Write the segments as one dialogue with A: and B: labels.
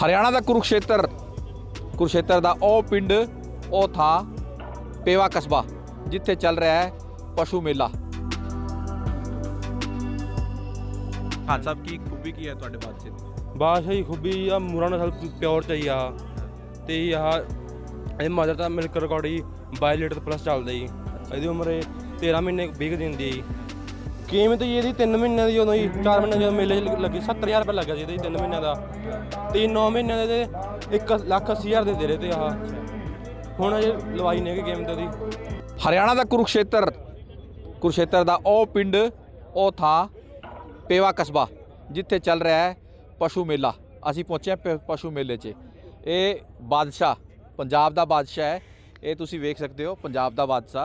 A: ਹਰਿਆਣਾ ਦਾ ਕੁਰੂਕਸ਼ੇਤਰ ਦਾ ਉਹ ਪਿੰਡ ਉਹ ਥਾਂ ਪੇਵਾ ਕਸਬਾ ਜਿੱਥੇ ਚੱਲ ਰਿਹਾ ਹੈ ਪਸ਼ੂ ਮੇਲਾ। ਖਾਨ ਸਾਹਿਬ ਕੀ ਖੂਬੀ ਕੀ ਹੈ ਤੁਹਾਡੇ ਬਾਦਸ਼ਾਹ ਦੀ?
B: ਬਾਦਸ਼ਾਹ ਦੀ ਖੂਬੀ ਆ ਮੂਰਾ ਨਸਲ ਪਿਓਰ ਚਾਹੀ ਆ ਤੇ ਆਹ ਇਹ ਮਦਰ ਦਾ ਮਿਲਕ ਰਿਕਾਰਡ ਹੀ 22 ਲੀਟਰ ਪਲੱਸ ਚੱਲਦਾ ਜੀ। ਇਹਦੀ ਉਮਰ 13 ਮਹੀਨੇ 20 ਦਿਨ ਦੀ ਜੀ। ਕੀਮਤ ਜੀ ਇਹਦੀ 3 ਮਹੀਨਿਆਂ ਦੀ ਉਦੋਂ ਹੀ 4 ਮਹੀਨੇ ਜਦੋਂ ਮੇਲੇ 'ਚ ਲੱਗੀ 70,000 ਰੁਪਏ ਲੱਗਾ ਸੀ ਇਹਦੇ 3 ਮਹੀਨਿਆਂ ਦਾ ਤੇ 9 ਮਹੀਨਿਆਂ ਦੇ 1,80,000 ਦੇ ਰਹੇ ਤੇ ਆਹ ਹੁਣ ਅਜੇ ਲਵਾਈ ਨਹੀਂ ਹੈਗੀ ਕੀਮਤ ਉਹਦੀ।
A: ਹਰਿਆਣਾ ਦਾ ਕੁਰੂਕਸ਼ੇਤਰ ਦਾ ਉਹ ਪਿੰਡ ਉਹ ਥਾਂ ਪੇਵਾ ਕਸਬਾ ਜਿੱਥੇ ਚੱਲ ਰਿਹਾ ਹੈ ਪਸ਼ੂ ਮੇਲਾ। ਅਸੀਂ ਪਹੁੰਚੇ ਪਸ਼ੂ ਮੇਲੇ 'ਚ। ਇਹ ਬਾਦਸ਼ਾਹ ਪੰਜਾਬ ਦਾ ਬਾਦਸ਼ਾਹ ਹੈ। ਇਹ ਤੁਸੀਂ ਵੇਖ ਸਕਦੇ ਹੋ ਪੰਜਾਬ ਦਾ ਬਾਦਸ਼ਾਹ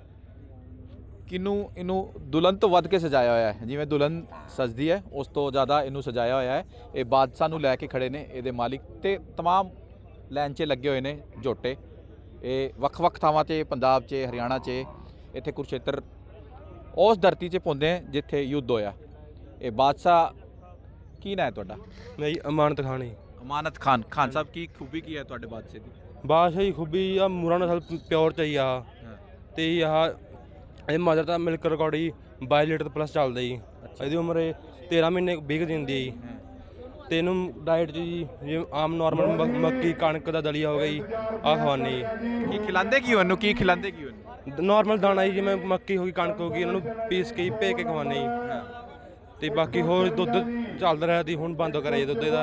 A: ਇਹਨੂੰ ਦੁਲਹਨ ਤੋਂ ਵੱਧ ਕੇ ਸਜਾਇਆ ਹੋਇਆ ਹੈ। ਜਿਵੇਂ ਦੁਲਹਨ ਸਜਦੀ ਹੈ ਉਸ ਤੋਂ ਜ਼ਿਆਦਾ ਇਹਨੂੰ ਸਜਾਇਆ ਹੋਇਆ ਹੈ। ਇਹ ਬਾਦਸ਼ਾਹ ਨੂੰ ਲੈ ਕੇ ਖੜੇ ਨੇ ਇਹਦੇ ਮਾਲਿਕ ਤੇ तमाम ਲਾਈਨ 'ਚ ਲੱਗੇ ਹੋਏ ਨੇ ਝੋਟੇ। ਇਹ ਵੱਖ-ਵੱਖ ਥਾਵਾਂ 'ਤੇ ਪੰਜਾਬ 'ਚ ਹਰਿਆਣਾ 'ਚ ਇੱਥੇ ਕੁਰੂਕਸ਼ੇਤਰ ਉਸ ਧਰਤੀ 'ਚ ਪੁੰਦੇ ਜਿੱਥੇ ਯੁੱਧ ਹੋਇਆ। ਇਹ ਬਾਦਸ਼ਾਹ ਕੀ ਨਾਂ ਹੈ ਤੁਹਾਡਾ?
B: ਮੈਂ ਜੀ ਅਮਾਨਤ ਖਾਨ ਜੀ।
A: ਅਮਾਨਤ ਖਾਨ। ਖਾਨ ਸਾਹਿਬ ਕੀ ਖੂਬੀ ਕੀ ਹੈ ਤੁਹਾਡੇ ਬਾਦਸ਼ਾਹ ਦੀ?
B: ਬਾਦਸ਼ਾਹ ਦੀ ਖੂਬੀ ਆ ਮੂਰਾ ਨਸਲ ਪਿਓਰ ਚਾਹੀ ਆ ਤੇ ਆਹ ਇਹ ਮਦਰ ਦਾ ਮਿਲਕ ਰਿਕਾਰਡ ਹੀ 22 ਲੀਟਰ ਪਲੱਸ ਚੱਲਦਾ ਜੀ। ਇਹਦੀ ਉਮਰ 13 ਮਹੀਨੇ 20 ਦਿਨ ਦੀ ਜੀ। ਤੇ ਇਹਨੂੰ ਡਾਈਟ 'ਚ ਜੀ ਜਿਵੇਂ ਆਮ ਨੋਰਮਲ ਮੱਕੀ ਕਣਕ ਦਾ ਦਲੀਆ ਹੋ ਗਿਆ ਜੀ ਆਹ ਖਵਾਉਂਦੇ ਜੀ।
A: ਕੀ ਖਿਲਾਉਂਦੇ ਕੀ ਉਹਨੂੰ? ਕੀ ਖਿਲਾਉਂਦੇ ਕੀ ਉਹਨੂੰ?
B: ਨੋਰਮਲ ਦਾਣਾ ਜੀ ਜਿਵੇਂ ਮੱਕੀ ਹੋ ਗਈ ਕਣਕ ਹੋ ਗਈ ਇਹਨਾਂ ਨੂੰ ਪੀਸ ਕੇ ਭੇ ਕੇ ਖਵਾਉਂਦੇ ਜੀ। ਤੇ ਬਾਕੀ ਹੋਰ ਦੁੱਧ ਚੱਲਦਾ ਰਿਹਾ ਸੀ ਹੁਣ ਬੰਦ ਕਰਿਆ ਜੀ ਦੁੱਧ ਇਹਦਾ।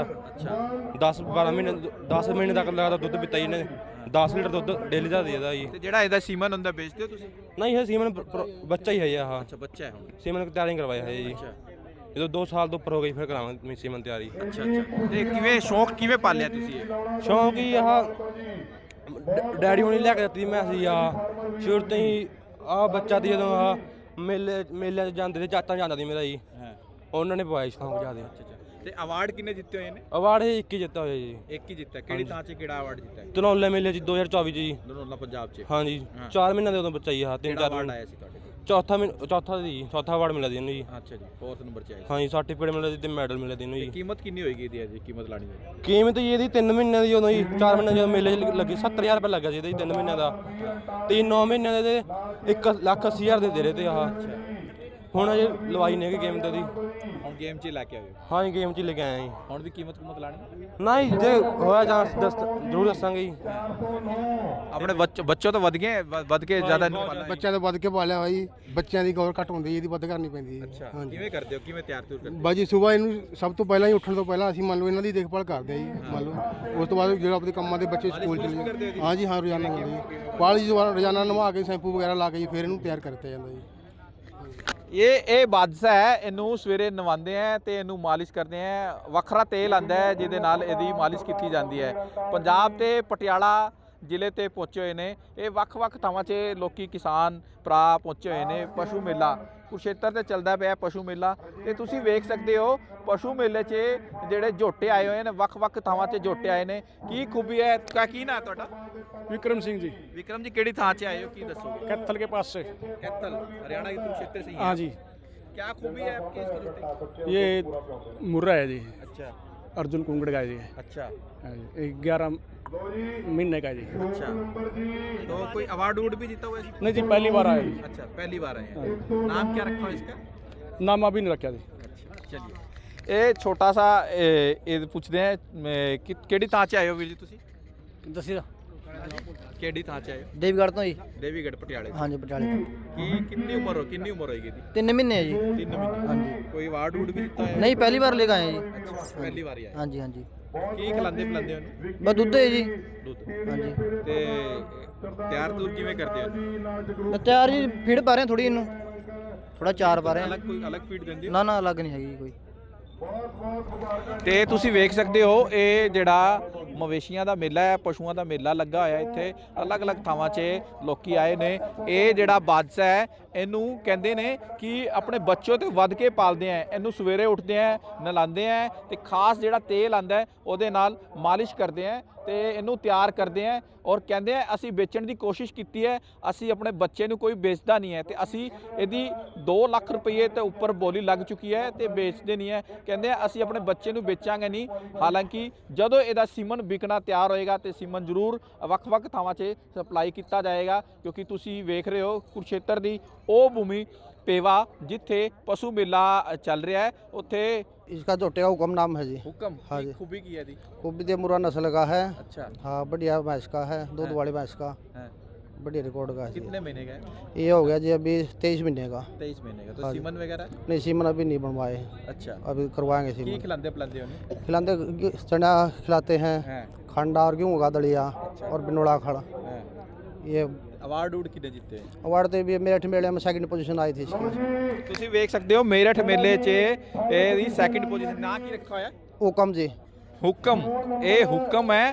B: 10 ਮਹੀਨੇ ਤੱਕ ਲਗਾਤਾਰ ਦੁੱਧ ਪੀਤਾ ਜੀ ਇਹਨੇ। 10 ਲੀਟਰ ਦੁੱਧ ਡੇਲੀ ਦਾ ਦੇ ਇਹਦਾ ਜੀ।
A: ਤੇ ਜਿਹੜਾ ਇਹਦਾ ਸੀਮਨ ਹੁੰਦਾ ਵੇਚਦੇ ਹੋ ਤੁਸੀਂ?
B: ਨਹੀਂ ਇਹ ਸੀਮਨ ਬੱਚਾ ਹੀ ਹੈ ਜੀ। ਆਹ
A: ਅੱਛਾ ਬੱਚਾ ਹੈ ਹੁਣ।
B: ਸੀਮਨ ਤਿਆਰੀ ਕਰਵਾਇਆ ਹੈ ਜੀ। ਜਦੋਂ 2 ਸਾਲ ਤੋਂ ਉੱਪਰ ਹੋ ਗਈ ਫਿਰ ਕਰਾਵਾਂਗੇ ਸੀਮਨ ਤਿਆਰੀ।
A: ਅੱਛਾ ਤੇ ਕਿਵੇਂ ਸ਼ੌਂਕ ਕਿਵੇਂ ਪਾਲਿਆ ਤੁਸੀਂ ਇਹ?
B: ਸ਼ੌਂਕ ਹੀ ਆਹ ਡੈਡੀ ਹੁਣੀ ਲੈ ਕੇ ਦਿੱਤੀ ਮੈਂ ਸੀ ਸ਼ੁਰੂ ਤੋਂ ਹੀ ਆਹ ਬੱਚਾ ਦੀ ਜਦੋਂ ਆਹ ਮੇਲਿਆਂ 'ਚ ਜਾਂਦੇ ਤੇ ਚਾਚਾ ਜਾਂਦਾ ਸੀ ਮੇਰਾ ਜੀ। ਉਹਨਾਂ ਨੇ ਪਵਾਇਆ ਸ਼ੌਂਕ ਜ਼ਿਆਦਾ।
A: ਤੇ ਅਵਾਰਡ ਕਿੰਨੇ ਜਿੱਤੇ ਹੋਏ ਨੇ?
B: ਅਵਾਰਡ ਇਹ 1 ਹੀ ਜਿੱਤਾ ਹੋਇਆ ਜੀ।
A: ਇੱਕ ਹੀ ਜਿੱਤਾ। ਕਿਹੜੀ ਥਾਂ 'ਚ ਕਿਹੜਾ ਅਵਾਰਡ ਜਿੱਤਾ ਹੈ?
B: ਧਨੌਲੇ ਮੇਲੇ 'ਚ 2024 'ਚ ਜੀ।
A: ਧਨੌਲਾ ਪੰਜਾਬ 'ਚ।
B: ਹਾਂਜੀ 4 ਮਹੀਨਿਆਂ ਦੇ ਉਦੋਂ ਬੱਚਾ ਹੀ ਆਹ 3-4
A: ਅਵਾਰਡ ਆਇਆ ਸੀ ਤੁਹਾਡੇ ਕੋਲ?
B: ਚੌਥਾ ਅਵਾਰਡ ਮਿਲਿਆ ਸੀ ਇਹਨੂੰ ਜੀ।
A: ਅੱਛਾ ਜੀ 4th ਨੰਬਰ 'ਚ ਆਇਆ ਸੀ।
B: ਹਾਂਜੀ ਸਰਟੀਫਿਕੇਟ ਮਿਲਿਆ ਸੀ ਤੇ ਮੈਡਲ ਮਿਲਿਆ ਸੀ ਇਹਨੂੰ ਜੀ।
A: ਕੀਮਤ ਕਿੰਨੀ ਹੋਏਗੀ ਇਹਦੀ? ਅਜੇ ਕੀਮਤ ਲਾਣੀ ਹੈ?
B: ਕੀਮਤ ਜੀ ਇਹਦੀ 3 ਮਹੀਨਿਆਂ ਦੀ ਉਦੋਂ ਹੀ 4 ਮਹੀਨੇ ਜਦੋਂ ਮੇਲੇ 'ਚ ਲੱਗੀ 70,000 ਰੁਪਏ ਲੱਗਾ ਸੀ ਇਹਦੇ 3 ਮਹੀਨਿਆਂ ਦਾ ਤੇ 9 ਮਹੀਨਿਆਂ ਦੇ 1,80,000 ਦੇ ਰਹੇ ਤੇ ਆਹ ਹੁਣ ਅਜੇ ਲਵਾਈ ਨਹੀਂ ਹੈਗੀ ਕੀਮਤ ਉਹਦੀ।
A: ਹੁਣ ਗੇਮ 'ਚ ਲੈ ਕੇ ਆਏ?
B: ਹਾਂਜੀ ਗੇਮ 'ਚ ਲੈ ਕੇ ਆਏ ਜੀ।
A: ਹੁਣ ਵੀ ਕੀਮਤ ਲਾਣੀ?
B: ਨਹੀਂ ਜੇ ਹੋਇਆ ਜਾਂ ਜ਼ਰੂਰ ਦੱਸਾਂਗੇ ਜੀ।
A: ਆਪਣੇ ਬੱਚੋਂ ਤੋਂ ਵੱਧ ਕੇ ਜ਼ਿਆਦਾ ਇਹਨੂੰ ਪਾਲਣਾ?
C: ਬੱਚਿਆਂ ਤੋਂ ਵੱਧ ਕੇ ਪਾਲਿਆ ਹੋਇਆ ਜੀ। ਬੱਚਿਆਂ ਦੀ ਗੌਰ ਘੱਟ ਹੁੰਦੀ ਇਹਦੀ ਵੱਧ ਕਰਨੀ ਪੈਂਦੀ ਹੈ।
A: ਅੱਛਾ ਕਿਵੇਂ ਕਰਦੇ ਹੋ? ਕਿਵੇਂ ਤਿਆਰ ਕਰਦੇ ਹੋ?
C: ਬਾਜੀ ਸਵੇਰ ਇਹਨੂੰ ਸਭ ਤੋਂ ਪਹਿਲਾਂ ਹੀ ਉੱਠਣ ਤੋਂ ਪਹਿਲਾਂ ਅਸੀਂ ਮੰਨ ਲਓ ਇਹਨਾਂ ਦੀ ਦੇਖਭਾਲ ਕਰਦੇ ਹਾਂ ਜੀ। ਮੰਨ ਲਓ ਉਸ ਤੋਂ ਬਾਅਦ ਜਿਹੜਾ ਆਪਣੇ ਕੰਮਾਂ ਦੇ ਬੱਚੇ ਸਕੂਲ ਚਲੇ ਜਾਂਦੇ। ਹਾਂਜੀ ਹਾਂ ਰੋਜ਼ਾਨਾ ਕਰਦੇ ਜੀ। ਪਾਲੀ ਰੋਜ਼ਾਨਾ ਨਵਾ ਕੇ ਸ਼ੈਂਪੂ ਵਗੈਰਾ ਲਾ ਕੇ ਜੀ ਫਿਰ ਇਹਨੂੰ ਤਿਆਰ ਕਰਤਾ ਜਾਂਦਾ ਜੀ।
A: ਇਹ ਬਾਦਸ਼ਾਹ ਹੈ। ਇਹਨੂੰ ਸਵੇਰੇ ਨਵਾਉਂਦੇ ਆ ਤੇ ਇਹਨੂੰ ਮਾਲਿਸ਼ ਕਰਦੇ ਆ। ਵੱਖਰਾ ਤੇਲ ਆਂਦਾ ਹੈ ਜਿਹਦੇ ਨਾਲ ਇਹਦੀ ਮਾਲਿਸ਼ ਕੀਤੀ ਜਾਂਦੀ ਹੈ। ਪੰਜਾਬ ਤੇ ਪਟਿਆਲਾ ਜ਼ਿਲ੍ਹੇ ਤੇ ਪਹੁੰਚੇ ਹੋਏ ਨੇ। ਇਹ ਵੱਖ-ਵੱਖ ਥਾਵਾਂ 'ਚ ਲੋਕੀ ਕਿਸਾਨ ਭਰਾ ਪਹੁੰਚੇ ਹੋਏ ਨੇ। ਪਸ਼ੂ ਮੇਲਾ ਕੁਰੂਕਸ਼ੇਤਰ ਤੇ ਚੱਲਦਾ ਪਿਆ ਪਸ਼ੂ ਮੇਲਾ ਤੇ ਤੁਸੀਂ ਵੇਖ ਸਕਦੇ ਹੋ ਪਸ਼ੂ ਮੇਲੇ 'ਚ ਜਿਹੜੇ ਝੋਟੇ ਆਏ ਹੋਏ ਨੇ ਵੱਖ-ਵੱਖ ਥਾਵਾਂ 'ਤੇ ਝੋਟੇ ਆਏ ਨੇ। ਕੀ ਖੂਬੀ ਹੈ? ਕੀ ਨਾਂ ਤੁਹਾਡਾ?
D: विक्रम सिंह जी।
A: विक्रम जी केड़ी थां च आए हो? की दसोगे?
D: कैथल के पास से।
A: कैथल हरियाणा के कुरुक्षेत्र से ही?
D: हाँ जी।
A: क्या खूबी है आपकी इसकी रोटी?
D: ये मुर्रा है जी।
A: अच्छा
D: अर्जुन कुंगड़ का है जी।
A: अच्छा
D: हाँ जी 11 महीने का है जी।
A: अच्छा तो कोई अवार्ड वुड भी जीता हुआ है?
D: नहीं जी पहली बार आया जी।
A: अच्छा पहली बार आए हैं। नाम क्या रखा है इसका?
D: नाम अभी नहीं रखा जी।
A: अच्छा चलिए ये छोटा सा पूछते हैं केड़ी थां च आए हो वीर जी तुसी?
E: दसी
A: केड़ी थां च आए हो?
E: देवीगढ़ तो जी।
A: देवीगढ़ पटियाले
E: हाँ जी पटियाले
A: की कितनी उम्र होगी इसकी?
E: 3 महीने है जी।
A: 3 महीने।
E: हाँ जी।
A: कोई अवार्ड वुड भी जीता है?
E: नहीं पहली बार लेकर आए हैं जी।
A: अच्छा पहली बार ही आए।
E: हाँ जी हाँ जी।
A: ਕੀ ਖਿਲਾਉਂਦੇ ਪਿਲਾਉਂਦੇ ਹੋ?
E: बस दूध है जी।
A: ਦੁੱਧ।
E: हाँ जी।
A: ਤੇ ਤਿਆਰ ਤੂਰ ਕਿਵੇਂ ਕਰਦੇ ਹੋ?
E: मैं तैयार जी फीड पा रहे हैं थोड़ी इनू थोड़ा चार पा रहे हैं।
A: ਅਲੱਗ ਕੋਈ ਅਲੱਗ ਫੀਡ ਦਿੰਦੇ ਹੋ?
E: ना ना अलग नहीं हैगी कोई।
A: ਤੇ ਤੁਸੀਂ ਵੇਖ ਸਕਦੇ ਹੋ ਇਹ ਜਿਹੜਾ ਮਵੇਸ਼ੀਆਂ ਦਾ ਮੇਲਾ ਹੈ ਪਸ਼ੂਆਂ ਦਾ ਮੇਲਾ ਲੱਗਾ ਹੋਇਆ ਇੱਥੇ ਅਲੱਗ-ਅਲੱਗ ਥਾਵਾਂ 'ਚ ਲੋਕੀ ਆਏ ਨੇ। ਇਹ ਜਿਹੜਾ ਬਾਦਸ਼ਾਹ ਹੈ ਇਹਨੂੰ ਕਹਿੰਦੇ ਨੇ ਕਿ ਆਪਣੇ ਬੱਚੇ ਤੋਂ ਵੱਧ ਕੇ ਪਾਲਦੇ ਆ। ਇਹਨੂੰ ਸਵੇਰੇ ਉੱਠਦੇ ਆ, ਨਲਾਉਂਦੇ ਆ ਤੇ ਖਾਸ ਜਿਹੜਾ ਤੇਲ ਆਂਦਾ ਹੈ ਉਹਦੇ ਨਾਲ ਮਾਲਿਸ਼ ਕਰਦੇ ਆ ਤੇ ਇਹਨੂੰ ਤਿਆਰ ਕਰਦੇ ਆ। ਔਰ ਕਹਿੰਦੇ ਆ ਅਸੀਂ ਵੇਚਣ ਦੀ ਕੋਸ਼ਿਸ਼ ਕੀਤੀ ਹੈ, ਅਸੀਂ ਆਪਣੇ ਬੱਚੇ ਨੂੰ ਕੋਈ ਵੇਚਦਾ ਨਹੀਂ ਹੈ ਤੇ ਅਸੀਂ ਇਹਦੀ 2 ਲੱਖ ਰੁਪਏ ਤੇ ਉੱਪਰ ਬੋਲੀ ਲੱਗ ਚੁੱਕੀ ਹੈ ਤੇ ਵੇਚਦੇ ਨਹੀਂ ਹੈ। ਕਹਿੰਦੇ ਆ ਅਸੀਂ ਆਪਣੇ ਬੱਚੇ ਨੂੰ ਵੇਚਾਂਗੇ ਨਹੀਂ। ਹਾਲਾਂਕਿ ਜਦੋਂ ਇਹਦਾ ਸੀਮਨ ਵਿਕਣਾ ਤਿਆਰ ਹੋਏਗਾ ਤੇ ਸੀਮਨ ਜ਼ਰੂਰ ਵੱਖ-ਵੱਖ ਥਾਵਾਂ 'ਚ ਸਪਲਾਈ ਕੀਤਾ ਜਾਏਗਾ, ਕਿਉਂਕਿ ਤੁਸੀਂ ਵੇਖ ਰਹੇ ਹੋ ਕੁਰੂਕਸ਼ੇਤਰ ਦੀ ਉਹ ਭੂਮੀ पेवा जिथे पशु मेला चल रहा है उत्थे
E: इसका झोटे का हुक्म नाम है जी।
A: हुक्म
E: हाँ जी।
A: खूबी की है दी
E: खूबी दे मुरा नस्ल का है।
A: अच्छा
E: हाँ बढ़िया भैंस का है, दूध
A: हाँ।
E: वाली भैंस का
A: है।
E: बढ़िया रिकॉर्ड का है जी।
A: कितने महीने का है?
E: ये हो गया जी अभी 23 महीने का।
A: 23 महीने का। तो
E: हाँ जी।
A: सीमन वगैरह
E: नहीं सीमन अभी नहीं बनवाए,
A: अच्छा
E: अभी करवाएंगे
A: की
E: सीमन।
A: खिलाते पिलाते हो?
E: खिलाते चना खिलाते हैं,
A: हैं
E: खंडा और गेहूँ का दलिया और बिनोड़ा खड़ा।
A: हैं।
E: ये
A: अवार्ड उड़ कितने जीते हैं?
E: अवार्ड तो भी मेरठ मेले में सेकंड पोजीशन आई थी इसकी।
A: ਤੁਸੀਂ ਵੇਖ ਸਕਦੇ ਹੋ ਮੇਰਠ ਮੇਲੇ 'ਚ ਇਹਦੀ ਸੈਕਿੰਡ ਪੋਜੀਸ਼ਨ। ਨਾਂ ਕੀ ਰੱਖਾ ਹੋਇਆ?
E: हुक्म जी।
A: ਹੁਕਮ। ਇਹ ਹੁਕਮ ਹੈ,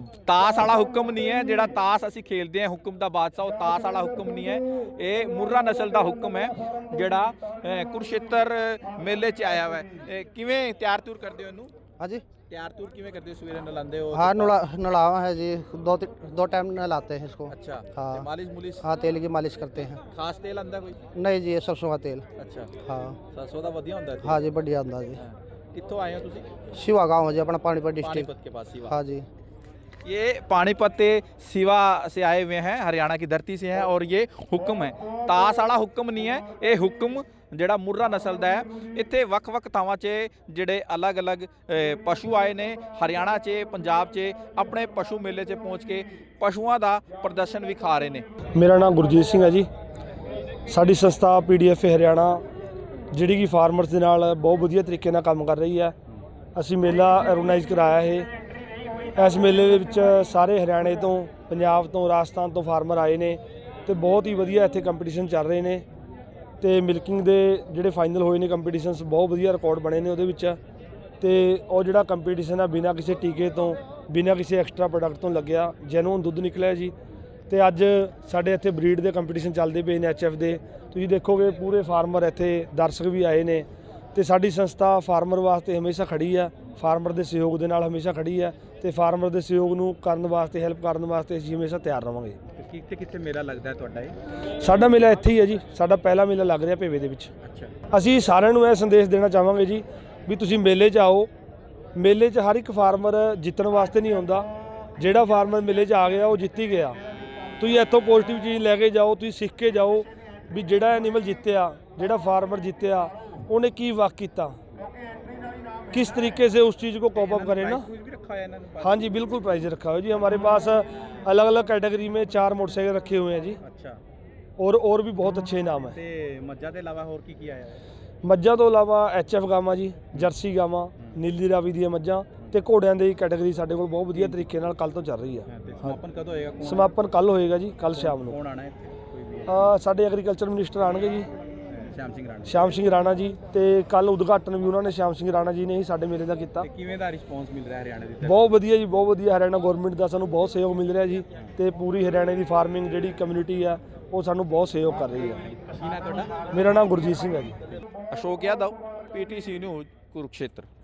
A: ਤਾਸ ਵਾਲਾ ਹੁਕਮ ਨਹੀਂ ਹੈ ਜਿਹੜਾ ਤਾਸ ਅਸੀਂ ਖੇਲਦੇ ਹਾਂ ਹੁਕਮ ਦਾ ਬਾਦਸ਼ਾਹ, ਉਹ ਤਾਸ ਵਾਲਾ ਹੁਕਮ ਨਹੀਂ ਹੈ। ਇਹ ਮੁर्रा ਨਸਲ ਦਾ ਹੁਕਮ ਹੈ ਜਿਹੜਾ ਕੁਰੂਕਸ਼ੇਤਰ ਮੇਲੇ 'ਚ ਆਇਆ ਹੋਇਆ ਹੈ। ਕਿਵੇਂ ਤਿਆਰ ਤੂਰ ਕਰਦੇ ਹੋ ਇਹਨੂੰ?
E: हाँ जी।
A: ਤਿਆਰ ਤੂਰ ਕਿਵੇਂ ਕਰਦੇ ਹੋ? ਸਵੇਰੇ ਨਲਾਉਂਦੇ ਹੋ?
E: हाँ नलावा है जी, दो टाइम नहलाते हैं इसको।
A: अच्छा
E: हाँ।
A: ਤੇ ਮਾਲਿਸ਼ ਮੁਲਿਸ਼
E: हाँ तेल की मालिश करते हैं।
A: ਖਾਸ ਤੇਲ ਆਂਦਾ ਕੋਈ?
E: नहीं जी ये सरसों का तेल।
A: ਅੱਛਾ
E: हाँ।
A: सरसों ਦਾ ਵਧੀਆ ਹੁੰਦਾ ਹੈ।
E: हाँ जी बढ़िया अंदाज जी।
A: ਕਿੱਥੋਂ आए हो ਤੁਸੀਂ?
E: शिवा गाँव है जी अपना पानीपत डिस्ट्रिक्ट।
A: पानीपत के पास सिवा।
E: हाँ जी।
A: ये पानीपत सिवा से आए हुए हैं, हरियाणा की धरती से हैं और ये हुक्म है। तास वाला हुक्म नहीं है, ये हुक्म ਜਿਹੜਾ ਮੁर्रा ਨਸਲ ਦਾ ਹੈ। ਇੱਥੇ ਵੱਖ-ਵੱਖ ਥਾਵਾਂ 'ਚ ਜਿਹੜੇ ਅਲੱਗ-ਅਲੱਗ ਪਸ਼ੂ ਆਏ ਨੇ ਹਰਿਆਣਾ 'ਚ ਪੰਜਾਬ 'ਚ ਆਪਣੇ ਪਸ਼ੂ ਮੇਲੇ 'ਚ ਪਹੁੰਚ ਕੇ ਪਸ਼ੂਆਂ ਦਾ ਪ੍ਰਦਰਸ਼ਨ ਵਿਖਾ ਰਹੇ ਨੇ।
F: ਮੇਰਾ ਨਾਮ ਗੁਰਜੀਤ ਸਿੰਘ ਹੈ ਜੀ। ਸਾਡੀ ਸੰਸਥਾ PDF ਹਰਿਆਣਾ ਜਿਹੜੀ ਕਿ ਫਾਰਮਰਸ ਦੇ ਨਾਲ ਬਹੁਤ ਵਧੀਆ ਤਰੀਕੇ ਨਾਲ ਕੰਮ ਕਰ ਰਹੀ ਹੈ। ਅਸੀਂ ਮੇਲਾ ਆਰਗੇਨਾਈਜ਼ ਕਰਾਇਆ ਹੈ। ਇਸ ਮੇਲੇ ਦੇ ਵਿੱਚ ਸਾਰੇ ਹਰਿਆਣੇ ਤੋਂ, ਪੰਜਾਬ ਤੋਂ, ਰਾਜਸਥਾਨ ਤੋਂ ਫਾਰਮਰ ਆਏ ਨੇ ਤੇ ਬਹੁਤ ਹੀ ਵਧੀਆ ਇੱਥੇ ਕੰਪੀਟੀਸ਼ਨ ਚੱਲ ਰਹੇ ਨੇ ਤੇ ਮਿਲਕਿੰਗ ਦੇ ਜਿਹੜੇ ਫਾਈਨਲ ਹੋਏ ਨੇ ਕੰਪੀਟੀਸ਼ਨਸ ਬਹੁਤ ਵਧੀਆ ਰਿਕਾਰਡ ਬਣੇ ਨੇ ਉਹਦੇ ਵਿੱਚ। ਤੇ ਉਹ ਜਿਹੜਾ ਕੰਪੀਟੀਸ਼ਨ ਆ ਬਿਨਾਂ ਕਿਸੇ ਟੀਕੇ ਤੋਂ, ਬਿਨਾਂ ਕਿਸੇ ਐਕਸਟਰਾ ਪ੍ਰੋਡਕਟ ਤੋਂ ਲੱਗਿਆ, ਜੈਨੂਨ ਦੁੱਧ ਨਿਕਲਿਆ ਜੀ। ਤੇ ਅੱਜ ਸਾਡੇ ਇੱਥੇ ਬਰੀਡ ਦੇ ਕੰਪੀਟੀਸ਼ਨ ਚੱਲਦੇ ਪਏ ਨੇ HF ਦੇ। ਤੁਸੀਂ ਦੇਖੋਗੇ ਪੂਰੇ ਫਾਰਮਰ ਇੱਥੇ ਦਰਸ਼ਕ ਵੀ ਆਏ ਨੇ ਤੇ ਸਾਡੀ ਸੰਸਥਾ ਫਾਰਮਰ ਵਾਸਤੇ ਹਮੇਸ਼ਾ ਖੜੀ ਆ, ਫਾਰਮਰ ਦੇ ਸਹਿਯੋਗ ਦੇ ਨਾਲ ਹਮੇਸ਼ਾ ਖੜੀ ਆ ਤੇ ਫਾਰਮਰ ਦੇ ਸਹਿਯੋਗ ਨੂੰ ਕਰਨ ਵਾਸਤੇ, ਹੈਲਪ ਕਰਨ ਵਾਸਤੇ ਅਸੀਂ ਹਮੇਸ਼ਾ ਤਿਆਰ ਰਵਾਂਗੇ।
A: ਕਿੱਥੇ ਕਿੱਥੇ ਮੇਲਾ ਲੱਗਦਾ ਹੈ ਤੁਹਾਡਾ ਇਹ?
F: ਸਾਡਾ ਮੇਲਾ ਇੱਥੇ ਹੀ ਹੈ ਜੀ, ਸਾਡਾ ਪਹਿਲਾ ਮੇਲਾ ਲੱਗ ਰਿਹਾ ਭੇਵੇ ਦੇ ਵਿੱਚ।
A: ਅੱਛਾ।
F: ਅਸੀਂ ਸਾਰਿਆਂ ਨੂੰ ਇਹ ਸੰਦੇਸ਼ ਦੇਣਾ ਚਾਹਾਂਗੇ ਜੀ ਵੀ ਤੁਸੀਂ ਮੇਲੇ 'ਚ ਆਓ। ਮੇਲੇ 'ਚ ਹਰ ਇੱਕ ਫਾਰਮਰ ਜਿੱਤਣ ਵਾਸਤੇ ਨਹੀਂ ਆਉਂਦਾ, ਜਿਹੜਾ ਫਾਰਮਰ ਮੇਲੇ 'ਚ ਆ ਗਿਆ ਉਹ ਜਿੱਤ ਹੀ ਗਿਆ। ਤੁਸੀਂ ਇੱਥੋਂ ਪੋਜ਼ਿਟਿਵ ਚੀਜ਼ ਲੈ ਕੇ ਜਾਓ, ਤੁਸੀਂ ਸਿੱਖ ਕੇ ਜਾਓ ਵੀ ਜਿਹੜਾ ਐਨੀਮਲ ਜਿੱਤਿਆ, ਜਿਹੜਾ फार्मर जितया उन्हें की वर्क किया, किस तरीके से उस चीज़ को कॉप अप करें ना। हाँ जी बिल्कुल प्राइज रखा हुआ जी, हमारे पास अलग अलग कैटेगरी में 4 मोटरसाइकिल रखे हुए हैं जी। अच्छा। और भी बहुत अच्छे इनाम है।
A: मज्जा के अलावा और की है?
F: मज्जा तो अलावा HF गावां जी, जर्सी गावां, नीली रावी दी मज्जां ਤੇ ਘੋੜਿਆਂ ਦੀ ਕੈਟਾਗਰੀ ਸਾਡੇ ਕੋਲ ਬਹੁਤ ਵਧੀਆ ਤਰੀਕੇ ਨਾਲ ਕੱਲ ਤੋਂ ਚੱਲ ਰਹੀ ਹੈ।
A: ਸਮਾਪਨ ਕਦੋਂ ਹੋਏਗਾ?
F: ਸਮਾਪਨ ਕੱਲ ਹੋਏਗਾ ਜੀ, ਕੱਲ ਸ਼ਾਮ ਨੂੰ।
A: ਕੌਣ ਆਣਾ ਹੈ ਕੋਈ ਵੀ?
F: ਸਾਡੇ ਐਗਰੀਕਲਚਰ ਮਿਨਿਸਟਰ ਆਣਗੇ ਜੀ,
A: ਸ਼ਾਮ ਸਿੰਘ ਰਾਣਾ
F: ਜੀ, ਤੇ ਕੱਲ ਉਦਘਾਟਨ ਵੀ ਉਹਨਾਂ ਨੇ ਸ਼ਾਮ ਸਿੰਘ ਰਾਣਾ ਜੀ ਨੇ ਹੀ ਸਾਡੇ ਮੇਲੇ ਦਾ ਕੀਤਾ।
A: ਕਿਵੇਂ ਦਾ ਰਿਸਪੌਂਸ ਮਿਲ ਰਿਹਾ ਹਰਿਆਣਾ ਦੀ?
F: ਬਹੁਤ ਵਧੀਆ ਜੀ, ਬਹੁਤ ਵਧੀਆ। ਹਰਿਆਣਾ ਗਵਰਨਮੈਂਟ ਦਾ ਸਾਨੂੰ ਬਹੁਤ ਸਹਿਯੋਗ ਮਿਲ ਰਿਹਾ ਜੀ ਤੇ ਪੂਰੀ ਹਰਿਆਣੇ ਦੀ ਫਾਰਮਿੰਗ ਜਿਹੜੀ ਕਮਿਊਨਿਟੀ ਆ ਉਹ ਸਾਨੂੰ ਬਹੁਤ ਸਹਿਯੋਗ ਕਰ ਰਹੀ ਹੈ।
A: ਕੀ ਨਾਮ ਤੁਹਾਡਾ?
F: ਮੇਰਾ ਨਾਮ ਗੁਰਜੀਤ ਸਿੰਘ ਹੈ ਜੀ।
A: Ashok Yadav, PTC news, Kurukshetra.